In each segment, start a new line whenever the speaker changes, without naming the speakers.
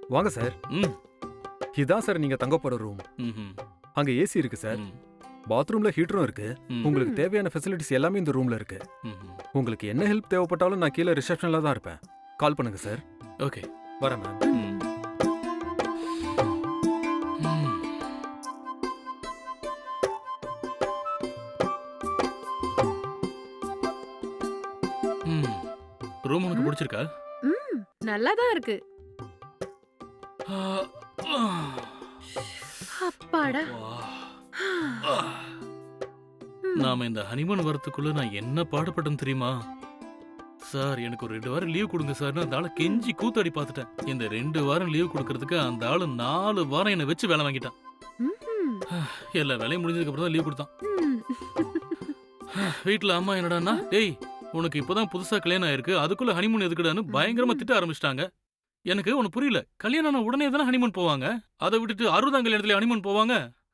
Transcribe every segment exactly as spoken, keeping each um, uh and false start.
வாங்க சார்.
ம்.
இதான் சார் நீங்க தங்க போற ரூம்.
ம்ஹும்.
அங்க ஏசி இருக்கு சார்.
ம்.
பாத்ரூம்ல ஹீட்டரும் இருக்கு.
ம்.
உங்களுக்கு
ம்.
தேவையான ஃபெசிலிட்டிஸ் எல்லாமே இந்த ரூம்ல இருக்கு.
ம்ஹும்.
உங்களுக்கு என்ன ஹெல்ப் தேவைப்பட்டாலும் நான் கீழே ரிசப்ஷன்ல தான் இருப்பேன். கால் பண்ணுங்க சார்.
ஓகே.
வரேன் மேம்.
ம். ம். ம். ரூம் உனக்கு
ம்.
பிடிச்சிருக்கா?
ம் நல்லா தான் இருக்கு.
ஆ, ஆ.
அப்பாடா.
வா.
ம்.
ஆ. நாம இந்த ஹனிமூன் வரத்துக்குள்ள நான் என்ன பாடுபட்டேன் தெரியுமா? சார் எனக்கு ஒரு ரெண்டு வாரம் லீவ் கொடுங்க சார்னு அந்த ஆளை கெஞ்சி கூத்தாடி பார்த்துட்டேன். இந்த ரெண்டு வாரம் லீவ் கொடுக்கறதுக்கு அந்த ஆளு நாலு வாரம் என்னை வச்சு வேலை வாங்கிட்டான்.
ம்ஹும்.
எல்லா வேலையும் முடிஞ்சதுக்கு அப்புறம் தான் லீவ் கொடுத்தான்.
ம்.
வீட்டுல அம்மா என்னடான்னா, டேய் உனக்கு இப்பதான் புதுசா கல்யாணம் ஆயிருக்கு, அதுக்குள்ள ஹனிமூன் எதுக்குடான்னு பயங்கரமா திட்ட ஆரம்பிச்சிட்டாங்க. எனக்கு ஒண்ணு புரியல, கல்யாணம் ஆன உடனே தானே ஹனிமூன் போவாங்க, அதை விட்டுட்டு அறுபதாம் கல்யாணத்துல ஹனிமூன் போவாங்க.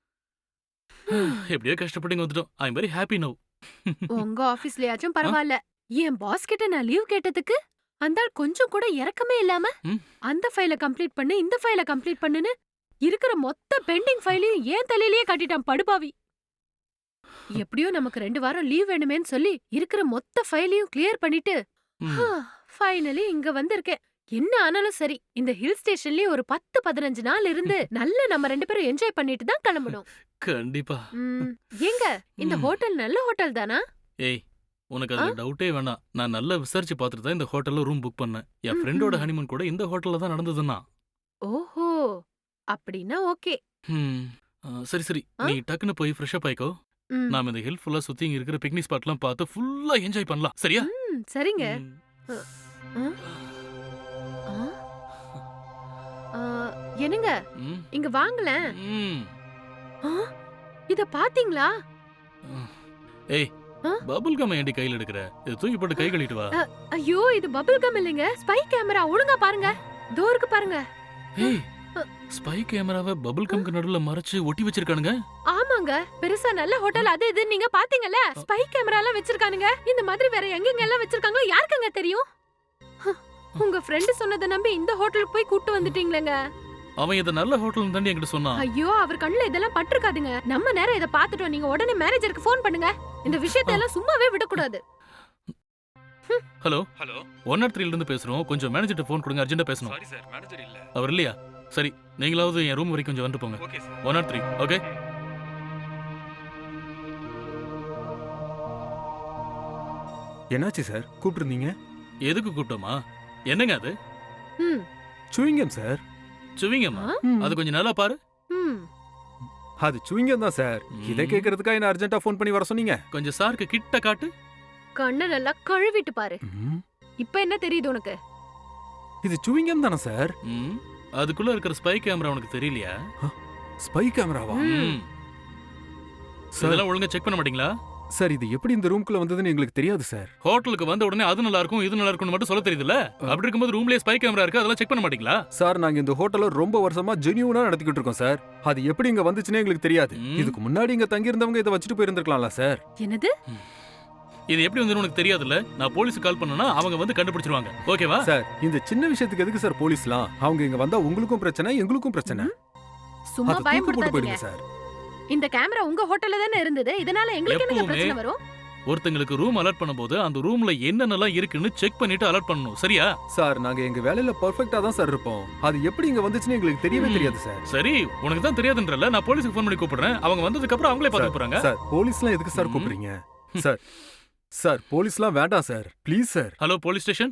எப்படியோ கஷ்டப்பட்டு இங்க வந்துட்டோம். I am very happy now.
உங்க ஆபீஸ்லயாச்சும் பரவாயில்ல. என் பாஸ் கிட்ட நான் லீவ் கேட்டதுக்கு அந்த ஆள் கொஞ்சம் கூட இறக்கமே இல்லாம
ம்.
அந்த ஃபைல கம்ப்ளீட் பண்ணு இந்த ஃபைல கம்ப்ளீட் பண்ணுன்னு இருக்கிற மொத்த பெண்டிங் ஃபைலையும் ஏன் தலையிலேயே கட்டிட்டான் படுபாவி. எப்படியோ நமக்கு ரெண்டு வாரம் லீவ் வேணுமேன்னு சொல்லி இருக்கிற மொத்த ஃபைலையும் கிளியர் பண்ணிட்டு ஃபைனலி இங்க வந்திருக்கேன். என்ன ஆனாலும் சரி, இந்த ஹில் ஸ்டேஷன்லயே ஒரு பத்து பதினஞ்சு நாள் இருந்து நல்ல நம்ம ரெண்டு பேரும் என்ஜாய் பண்ணிட்டு தான் கிளம்பணும்.
கண்டிப்பா.
ம், ஏங்க இந்த
ம்.
ஹோட்டல் நல்ல ஹோட்டல் தானா?
ஏய் உனக்கு அதுல டவுட்டே வேணாம். நான் நல்லா விசாரிச்சு பார்த்துட்டு தான் இந்த ஹோட்டல்ல ரூம் புக் பண்ணேன். என்
ம்ஹும்.
ஃப்ரெண்டோட ஹனிமூன் கூட இந்த ஹோட்டல்ல தான் நடந்ததுன்னா.
ஓஹோ, அப்படின்னா ஓகே.
ம். ஆ, சரி சரி
ஆ?
நீ டக்குன்னு போய் ஃப்ரெஷ் அப் ஆயிக்கோ.
ம்.
நாம இந்த ஹில் ஃபுல்லா சுத்தி இங்க இருக்கிற பிக்னிக் ஸ்பாட்லாம் பார்த்து ஃபுல்லா என்ஜாய் பண்ணலாம். சரியா?
ம், சரிங்க.
ம்.
ஆ? ஆ? ஆ, என்னங்க
ம்.
இங்க வாங்களேன்.
ம்.
ஆ, இத பாத்தீங்களா?
ஏய்
ஆ?
பபுள் கம் ஏண்டி கையில எடுக்கிற? இதை தூக்கி போட்டு கை கழுவிட்டு வா.
அ, ஐயோ இது பபிள் கம் இல்லைங்க, ஸ்பை கேமரா. ஒழுங்கா பாருங்க, தோருக்கு பாருங்க.
ஏய்
அ.
ஸ்பை கேமராவை பபுள் கம்க்கு நடுவுல மறைச்சு ஒட்டி வச்சிருக்கானுங்க.
ஆமாங்க, பெருசா நல்ல ஹோட்டல் அது இது நீங்க பாத்தீங்கல்ல, ஸ்பை கேமரா எல்லாம் வச்சிருக்கானுங்க. இந்த மாதிரி வேற எங்கெங்க எல்லாம் வச்சிருக்காங்களோ யாருக்குங்க தெரியும்? ஹ, உங்க ஃப்ரெண்ட் சொன்னதை நம்பி இந்த ஹோட்டலுக்கு போய் கூட்டு வந்துட்டீங்களேங்க.
அவன் இதை நல்ல ஹோட்டல் தாண்டி என்கிட்ட சொன்னான்.
ஐயோ அவர் கண்ணுல இதெல்லாம் பட்டிருக்காதுங்க. நம்ம நேரம் இதை பாத்துட்டோம். நீங்க உடனே மேனேஜருக்கு ஃபோன் பண்ணுங்க. இந்த விஷயத்தை எல்லாம் சும்மாவே விடக்கூடாது.
Hello
hello.
ஒன் நாட் த்ரீல இருந்து பேசுறோம். கொஞ்சம் மேனேஜர்ட்ட ஃபோன் கொடுங்க, அர்ஜென்ட்டா பேசணும்.
சாரி சார், மேனேஜர் இல்ல.
அவர் இல்லையா? சரி நீங்களாவது என் ரூம் வரைக்கும் கொஞ்சம் வந்து போங்க.
Okay sir.
One not three okay.
என்னாச்சு சார், கூப்பிட்டுருந்தீங்க?
எதுக்கு கூப்பிட்டோமா? என்னங்க அது?
ம்.
Chewing gum sir.
சுவிங்கம்மா?
ஆ?
ம்.
அது கொஞ்சம் நல்லா பாரு.
ம்.
அது சூயிங்கம் தான் சார். இதை
ம்.
கேட்கறதுக்கா என்ன அர்ஜென்ட்டா ஃபோன் பண்ணி வர சொன்னீங்க?
கொஞ்சம் சாருக்கு கிட்ட காட்டு.
கண்ணை நல்லா கழுவிட்டு பாரு.
ம்.
இப்ப என்ன தெரியுது உனக்கு?
இது சூயிங்கம் தானே சார்?
ம். அதுக்குள்ள இருக்கிற ஸ்பை கேமரா உனக்கு தெரியலையா?
ஸ்பை கேமராவா?
ம்.
ம்.
சார்
இதெல்லாம் ஒழுங்கா செக் பண்ண மாட்டீங்களா?
சார் இது எப்படி இந்த ரூம்குள்ள வந்ததுன்னு எங்களுக்கு தெரியாது சார்.
ஹோட்டலுக்கு வந்த உடனே அது நல்லா இருக்கும் இது நல்லா இருக்கும்னு மட்டும் சொல்ல தெரியுதுல்ல? அப்படி இருக்கும்போது ரூம்லயே ஸ்பை கேமரா இருக்கு, அதெல்லாம் செக் பண்ண மாட்டீங்களா?
சார் நாங்க இந்த ஹோட்டலை ரொம்ப வருஷமா ஜெனியூனா நடத்திக்கிட்டு இருக்கோம் சார். அது எப்படி இங்க வந்துச்சுன்னே எங்களுக்கு தெரியாது.
ம்.
இதுக்கு முன்னாடி இங்க தங்கி இருந்தவங்க இதை வச்சுட்டு போயிருந்திருக்கலாம்ல சார்.
என்னது?
இது எப்படி வந்து உனக்கு தெரியாதுல்ல? நான் போலீஸுக்கு கால் பண்ணனா அவங்க வந்து கண்டுபிடிச்சிருவாங்க. ஓகேவா?
சார் இந்த சின்ன விஷயத்துக்கு எதுக்கு சார் போலீஸ்லாம்? அவங்க இங்க வந்தா உங்களுக்கும் பிரச்சனை எங்களுக்கும் பிரச்சனை.
சும்மா
அது தூக்கி போட்டு
பயப்படுத்தாதீங்க.
போயிடுங்க சார்.
இந்த கேமரா உங்க ஹோட்டல்ல தானே இருந்தது. இதனால எங்களுக்கு என்ன
எப்பவுமே
பிரச்சனை வரும்?
ஒருத்தங்களுக்கு ரூம் அலர்ட் பண்ணும்போது அந்த ரூம்ல என்னென்னலாம் இருக்குன்னு செக் பண்ணிட்டு அலர்ட் பண்ணணும். சரியா?
சார் நாங்க எங்க வேலையில பெர்ஃபெக்ட்டா தான் சார் இருப்போம். அது எப்படி இங்க வந்துச்சுன்னு எங்களுக்கு தெரியவே
ம்.
தெரியாது சார்.
சரி உனக்கு தான் தெரியாதுன்றல, நான் போலீஸுக்கு ஃபோன் பண்ணி கூப்பிடுறேன். அவங்க வந்ததுக்கு அப்புறம் அவங்களே பார்த்து போறாங்க.
சார் போலீஸ்லாம் எதுக்கு சார்
ம்.
கூப்பிடுறீங்க? சார் சார் போலீஸ்லாம் வேண்டாம் sir, please sir.
Hello police station,